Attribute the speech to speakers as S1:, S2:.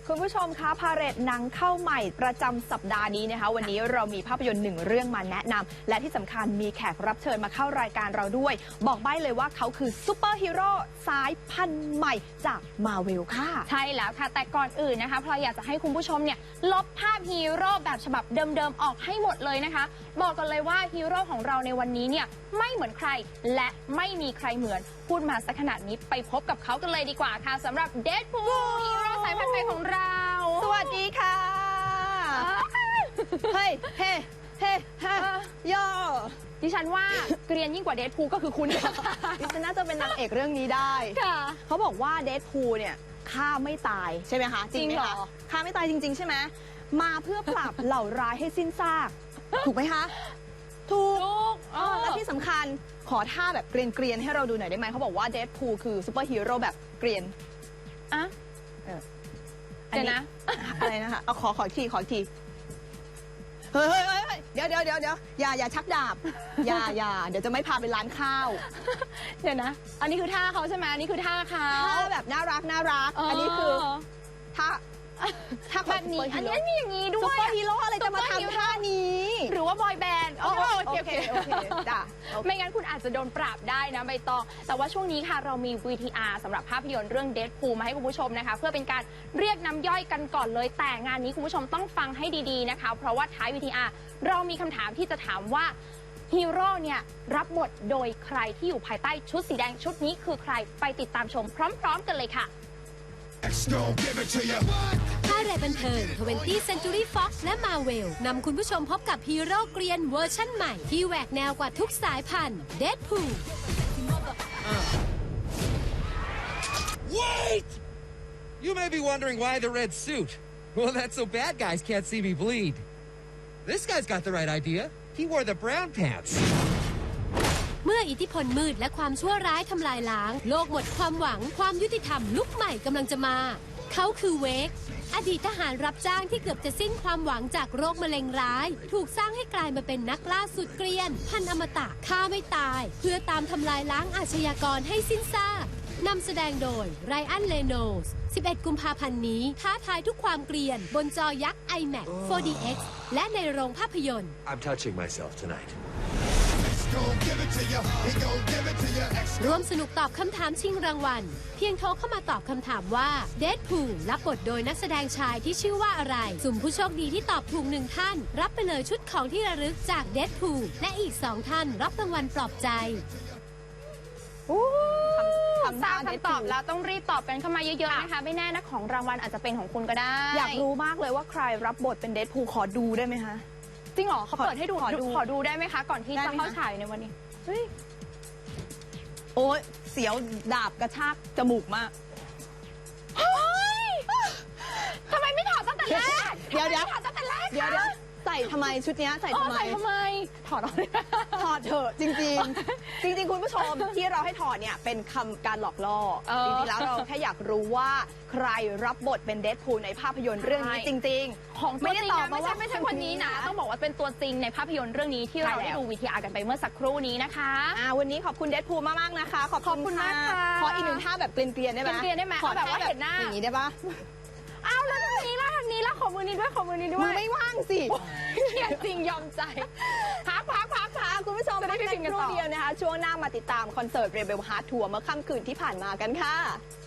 S1: คุณผู้ชมคะพาเหรดหนังเข้าใหม่ประจำสัปดาห์นี้นะคะวันนี้เรามีภาพยนตร์หนึ่งเรื่องมาแนะนำและที่สำคัญมีแขกรับเชิญมาเข้ารายการเราด้วยบอกใบ้เลยว่าเขาคือซูเปอร์ฮีโร่สายพันธุ์ใหม่จากมาเวลค่ะ
S2: ใช่แล้วค่ะแต่ก่อนอื่นนะคะพลอยอยากจะให้คุณผู้ชมเนี่ยลบภาพฮีโร่แบบฉบับเดิมๆออกให้หมดเลยนะคะบอกกันเลยว่าฮีโร่ของเราในวันนี้เนี่ยไม่เหมือนใครและไม่มีใครเหมือนพูดมาสักขนาดนี้ไปพบกับเขากันเลยดีกว่าค่ะสำหรับเดดพูลฮีโร่สายพันธุ์ใหม่ของเรา
S1: สวัสดีค่ะเฮ้ยเฮ้เฮ้ฮะย่อ
S2: ดิฉันว่าเกรียนยิ่งกว่าเดดพูลก็คือคุณ
S1: ดิฉันน่าจะเป็นนางเอกเรื่องนี้ได้เขาบอกว่าเดดพูลเนี่ยฆ่าไม่ตายใช่ไหมคะจริงไหมคะฆ่าไม่ตายจริงๆใช่ไหมมาเพื่อปราบเหล่าร้ายให้สิ้นซากถูกไหมคะถูกและที่สำคัญขอท่าแบบเกรียนๆให้เราดูหน่อยได้ไหมเขาบอกว่าเดดพูลคือซูเปอร์ฮีโร่แบบเกรียน
S2: อ่ะเดี๋ยวนะ
S1: อะไรนะคะเอาขออีกทีเฮ้ยเดี๋ยวอย่าชักดาบอย่าเดี๋ยวจะไม่พาไปร้านข้าว
S2: เดี๋ยวนะอันนี้คือท่าเขาใช่ไหมอันนี้คือท่าเขา
S1: แบบน่ารักอันนี้คือท่า
S2: แบบนี้อันนี้มีอย่างนี้ด้วย
S1: ซุปเปอร์ฮีโร่อะไรจะมาทำท่านี้
S2: หรือว่าบอยแบนด์โอเค
S1: จ้ะ
S2: ไม่งั้นคุณอาจจะโดนปราบได้นะใบตองแต่ว่าช่วงนี้ค่ะเรามี VTR สำหรับภาพยนตร์เรื่อง Deadpool มาให้คุณผู้ชมนะคะเพื่อเป็นการเรียกน้ำย่อยกันก่อนเลยแต่งานนี้คุณผู้ชมต้องฟังให้ดีๆนะคะเพราะว่าท้าย VTR เรามีคำถามที่จะถามว่าฮีโร่เนี่ยรับบทโดยใครที่อยู่ภายใต้ชุดสีแดงชุดนี้คือใครไปติดตามชมพร้อมๆกันเลยค่ะ
S3: พาเหรดบันเทิง 20th Century Fox และ Marvel นำคุณผู้ชมพบกับฮีโร่เกรียนเวอร์ชั่นใหม่ที่แหวกแนวกว่าทุกสายพันธุ์ Deadpool
S4: Wait! You may be wondering why the red suit. Well, that's so bad guys can't see me bleed. This guy's got the right idea. He wore the brown pants.
S3: เมื่ออิทธิพลมืดและความชั่วร้ายทำลายล้างโลกหมดความหวังความยุติธรรมลุกใหม่กำลังจะมาเขาคือเวกอดีตทหารรับจ้างที่เกือบจะสิ้นความหวังจากโรคมะเร็งร้ายถูกสร้างให้กลายมาเป็นนักล่าสุดเกรียนพันอมตะฆ่าไม่ตายเพื่อตามทำลายล้างอาชญากรให้สิ้นซากนำแสดงโดยไรอัน เรโนลส์ 11 กุมภาพันธ์นี้ท้าทายทุกความเกรียนบนจอยักษ์ IMAX 4DX และในโรงภาพยนตร์
S5: I'm touching myself tonight.
S3: ร่วมสนุกตอบคำถามชิงรางวัลเพียงโทรเข้ามาตอบคำถามว่า Deadpool รับบทโดยนักแสดงชายที่ชื่อว่าอะไรสุ่มผู้โชคดีที่ตอบถูก1ท่านรับไปเลยชุดของที่ระลึกจาก Deadpool และอีก2ท่านรับรางวัลปลอบใจ
S2: ทราบคำตอบแล้วต้องรีบตอบกันเข้ามาเยอะๆนะคะไม่แน่นะของรางวัลอาจจะเป็นของคุณก็ได้
S1: อยากรู้มากเลยว่าใครรับบทเป็นเดดพูลขอดูได้ไหมคะ
S2: จริงเหรอเขาเปิดให้ดูขอดูได้ไหมคะก่อนที่จะเข้าฉายในวันนี้
S1: โอ้ยเสียวดาบกระชากจมูกมาก
S2: เฮ้ยทำไมไม่ถอดตั้งแต่แรก
S1: เดี๋ยวใส่ทำไมชุดนี้ใส่ทำไม
S2: ถอดออกเลย
S1: ถอดเถอะจริงคุณผู้ชมที่เราให้ถอดเนี่ยเป็นคำการหลอกล่อจริงๆแล้วเราแค่อยากรู้ว่าใครรับบทเป็นเดดพูลในภาพยนตร์เรื่องนี้จริง
S2: ๆของไม่ได้ตอบมาว่าไม่ใช่คนนี้นะต้องบอกว่าเป็นตัวจริงในภาพยนตร์เรื่องนี้ที่เราได้ดูVTRกันไปเมื่อสักครู่นี้นะคะ
S1: วันนี้ขอบคุณเดดพูลมากๆนะคะขอบคุณมากค่ะขออีกหนึ่งท่าแบบเกลียนๆได้ไหม
S2: ขอแบบว่าเห็นหน้า
S1: อย่างนี้ได้ปะ
S2: อ้าวแล้วทางนี้ล่ะขอมือนี้ด้วย
S1: มือไม่ว่างสิ
S2: จริงยอมใจ
S1: พักคุณผู้ชมพักกันครู่เดียวนะคะช่วงหน้ามาติดตามคอนเสิร์ต Rebel Heart Tour เมื่อค่ำคืนที่ผ่านมากันค่ะ